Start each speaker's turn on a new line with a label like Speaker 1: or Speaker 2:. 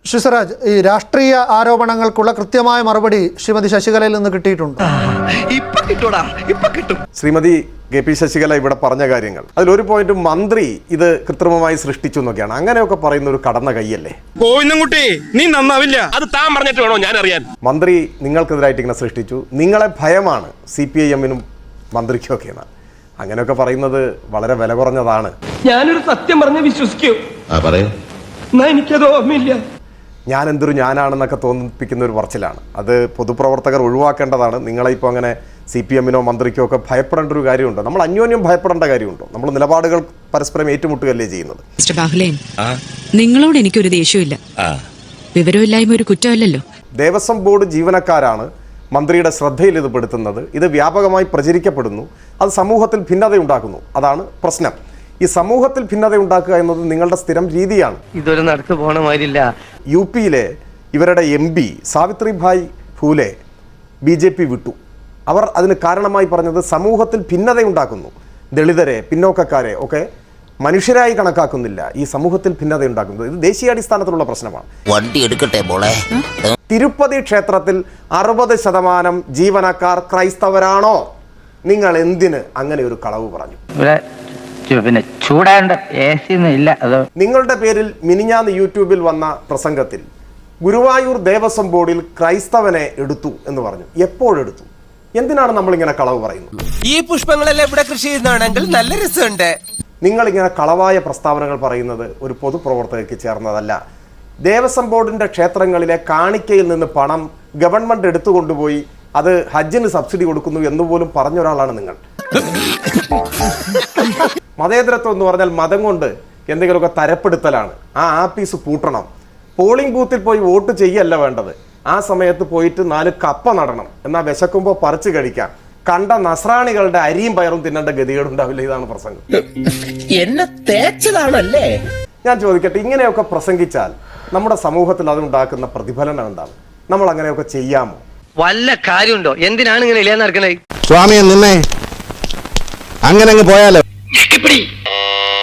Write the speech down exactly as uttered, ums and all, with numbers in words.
Speaker 1: ഷിസറാജ്, ഈ രാഷ്ട്രീയ ആരോപണങ്ങൾക്കുള്ള കൃത്യമായ മറുപടി ശ്രീമതി ശശികലയിൽ നിന്ന് കിട്ടിയിട്ടുണ്ട്.
Speaker 2: ശ്രീമതി കെ പി ശശികല ഇവിടെ പറഞ്ഞ കാര്യങ്ങൾ അതിലൊരു പോയിന്റ് മന്ത്രി ഇത് കൃത്രിമമായി സൃഷ്ടിച്ചു എന്നൊക്കെയാണ്. അങ്ങനെയൊക്കെ പറയുന്ന ഒരു കടന്ന കൈയല്ലേ?
Speaker 3: നീ നന്നാവില്ല. അത് താൻ പറഞ്ഞിട്ട് വേണോ ഞാൻ അറിയാൻ?
Speaker 2: മന്ത്രി നിങ്ങൾക്കെതിരായിട്ട് ഇങ്ങനെ സൃഷ്ടിച്ചു, നിങ്ങളെ ഭയമാണ് സി പി ഐ എമ്മിനും മന്ത്രിക്കും ഒക്കെ. അങ്ങനെയൊക്കെ പറയുന്നത് വളരെ വില കുറഞ്ഞതാണ്.
Speaker 4: ഞാനൊരു സത്യം പറഞ്ഞ് വിശ്വസിക്കൂ. എനിക്കത് ഓർമ്മയില്ല.
Speaker 2: ഞാൻ എന്തൊരു ഞാനാണെന്നൊക്കെ തോന്നിപ്പിക്കുന്ന ഒരു പറച്ചിലാണ്. അത് പൊതുപ്രവർത്തകർ ഒഴിവാക്കേണ്ടതാണ്. നിങ്ങളെ ഇപ്പോൾ അങ്ങനെ സി പി എമ്മിനോ മന്ത്രിക്കോ ഒക്കെ ഭയപ്പെടേണ്ട ഒരു കാര്യമുണ്ടോ? നമ്മൾ അന്യോന്യം ഭയപ്പെടേണ്ട കാര്യമുണ്ടോ? നമ്മൾ നിലപാടുകൾ പരസ്പരം ഏറ്റുമുട്ടുകയല്ലേ ചെയ്യുന്നത്.
Speaker 5: മിസ്റ്റർ ബാഹുലേൻ, നിങ്ങളോട് എനിക്കൊരു ദേഷ്യമില്ല. വിവരമില്ലായ്മ ഒരു കുറ്റമല്ലല്ലോ.
Speaker 2: ദേവസ്വം ബോർഡ് ജീവനക്കാരാണ് മന്ത്രിയുടെ ശ്രദ്ധയിൽ ഇത് പെടുത്തുന്നത്. ഇത് വ്യാപകമായി പ്രചരിക്കപ്പെടുന്നു. അത് സമൂഹത്തിൽ ഭിന്നതയുണ്ടാക്കുന്നു. അതാണ് പ്രശ്നം. ഈ സമൂഹത്തിൽ ഭിന്നത ഉണ്ടാക്കുക എന്നത് നിങ്ങളുടെ സ്ഥിരം രീതിയാണ്.
Speaker 4: ഇതൊരു നടക്ക് പോണ മാതിരില്ല.
Speaker 2: യു പിയിലെ ഇവരുടെ M P Savitribai Phule B J P വിട്ടു. അവർ അതിന് കാരണമായി പറഞ്ഞത് സമൂഹത്തിൽ ഭിന്നതയുണ്ടാക്കുന്നു, ദളിതരെ പിന്നോക്കക്കാരെ ഒക്കെ മനുഷ്യരായി കണക്കാക്കുന്നില്ല, ഈ സമൂഹത്തിൽ ഭിന്നത ഉണ്ടാക്കുന്നത്. ഇത് ദേശീയാടിസ്ഥാനത്തിലുള്ള പ്രശ്നമാണ്.
Speaker 6: വണ്ടി എടുക്കട്ടെ മോളെ.
Speaker 2: തിരുപ്പതി ക്ഷേത്രത്തിൽ അറുപത് ശതമാനം ജീവനക്കാർ ക്രൈസ്തവരാണോ? നിങ്ങൾ എന്തിന് അങ്ങനെ ഒരു കളവ് പറഞ്ഞു?
Speaker 4: പിന്നെ ചൂടാണ്ട് ഇല്ല. അത്
Speaker 2: നിങ്ങളുടെ പേരിൽ മിനിഞ്ഞാന്ന് യൂട്യൂബിൽ വന്ന പ്രസംഗത്തിൽ ഗുരുവായൂർ ദേവസ്വം ബോർഡിൽ ക്രൈസ്തവനെ എടുത്തു എന്ന് പറഞ്ഞു. എപ്പോഴെടുത്തു? എന്തിനാണ് നമ്മളിങ്ങനെ കളവ് പറയുന്നത്?
Speaker 7: ഈ പുഷ്പങ്ങളെല്ലാം ഇവിടെ കൃഷി ചെയ്യുന്നതാണെങ്കിൽ നല്ല രസമുണ്ട്.
Speaker 2: നിങ്ങളിങ്ങനെ കളവായ പ്രസ്താവനകൾ പറയുന്നത് ഒരു പൊതുപ്രവർത്തകർക്ക് ചേർന്നതല്ല. ദേവസ്വം ബോർഡിന്റെ ക്ഷേത്രങ്ങളിലെ കാണിക്കയിൽ നിന്ന് പണം ഗവൺമെന്റ് എടുത്തുകൊണ്ടുപോയി അത് ഹജ്ജിന് സബ്സിഡി കൊടുക്കുന്നു എന്നുപോലും പറഞ്ഞ ഒരാളാണ് നിങ്ങൾ. മതേതരത്വം എന്ന് പറഞ്ഞാൽ മതം കൊണ്ട് എന്തെങ്കിലുമൊക്കെ തരപ്പെടുത്തലാണ്. ആ ആപ്പീസ് പൂട്ടണം. പോളിംഗ് ബൂത്തിൽ പോയി വോട്ട് ചെയ്യല്ല വേണ്ടത്. ആ സമയത്ത് പോയിട്ട് നാല് കപ്പ നടണം. എന്നാൽ വിശക്കുമ്പോൾ പറിച്ചു കഴിക്കാം. കണ്ട നസ്രാണികളുടെ അരിയും പയറും തിന്നേണ്ട ഗതികേടുണ്ടാവില്ല. ഇതാണ് പ്രസംഗം.
Speaker 6: എന്നെ തേച്ചതാണല്ലേ?
Speaker 2: ഞാൻ ചോദിക്കട്ടെ, ഇങ്ങനെയൊക്കെ പ്രസംഗിച്ചാൽ നമ്മുടെ സമൂഹത്തിൽ അതുണ്ടാക്കുന്ന പ്രതിഫലനം എന്താണ്? നമ്മൾ അങ്ങനെയൊക്കെ ചെയ്യാമോ?
Speaker 4: വല്ല കാര്യമുണ്ടോ? എന്തിനാണ് ഇങ്ങനെ ഇല്ലാന്ന് നടക്കണേ?
Speaker 8: സ്വാമിയെ നിന്നെ അങ്ങനെ അങ്ങ് പോയാലോ?